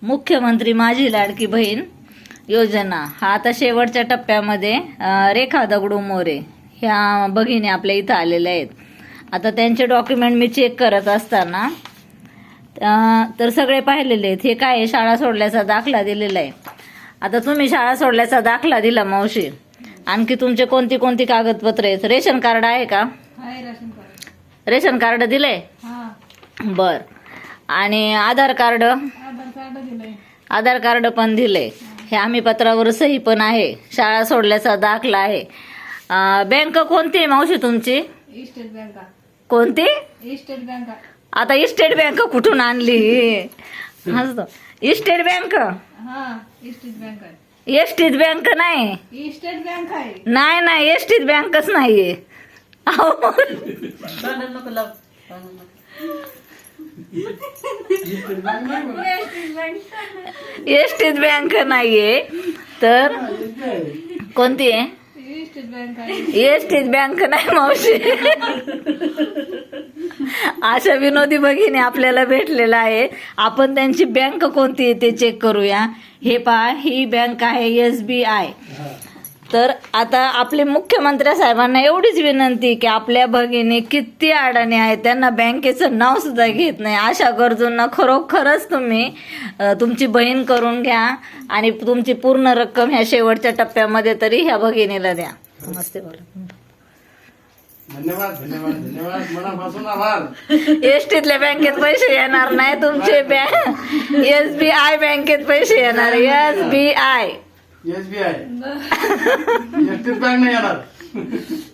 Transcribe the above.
मुख्यमंत्री माझी लाडकी बहीण योजना हा आता शेवटच्या टप्प्यामध्ये रेखा दगडू मोरे ह्या भगिनी आपल्या इथं आलेल्या आहेत. आता त्यांचे डॉक्युमेंट मी चेक करत असताना तर सगळे पाहिलेले आहेत. हे काय आहे, शाळा सोडल्याचा दाखला दिलेला आहे. आता तुम्ही शाळा सोडल्याचा दाखला दिला मावशी, आणखी तुमचे कोणती कोणती कागदपत्र आहेत? रेशन कार्ड आहे का? रेशन कार्ड दिलंय? बर. आणि आधार कार्ड? आधार कार्ड पण दिलंय. हे आम्ही पत्रावर सही पण आहे. शाळा सोडल्याचा दाखला आहे. बँक कोणती आहे मावशी तुमची? State bank. कोणती? State bank. आता इस्टेट बँक कुठून आणली? हसतो. State bank? हा, इस्टेट बँक आहे. एसटीत बँक नाही. इस्टेट बँक आहे. नाही नाही, एसटीत बँकच नाहीये. अहो, एसटीत बँक नाहीये तर कोणती आहे? इस्टेट बँक आहे. एसटीत बँक नाही मावशी. अशा विनोदी भगिनी आपल्याला भेटलेला आहे. आपण त्यांची बँक कोणती आहे ते चेक करूया. हे पहा, ही बँक आहे SBI. तर आता आपले मुख्यमंत्री साहेबांना एवढीच विनंती की आपल्या भगिनी किती अडाणी आहेत, त्यांना बँकेचं नाव सुद्धा घेत नाही. अशा गरजूंना खरोखरच तुम्ही तुमची बहीण करून घ्या आणि तुमची पूर्ण रक्कम ह्या शेवटच्या टप्प्यामध्ये तरी ह्या भगिनीला द्या. नमस्ते बोला. धन्यवाद धन्यवाद धन्यवाद, मनापासून आभार. एसटीतल्या बँकेत पैसे येणार नाही तुमचे, SBI बँकेत पैसे येणार. SBI. SBI. एसटीत बँक नाही येणार.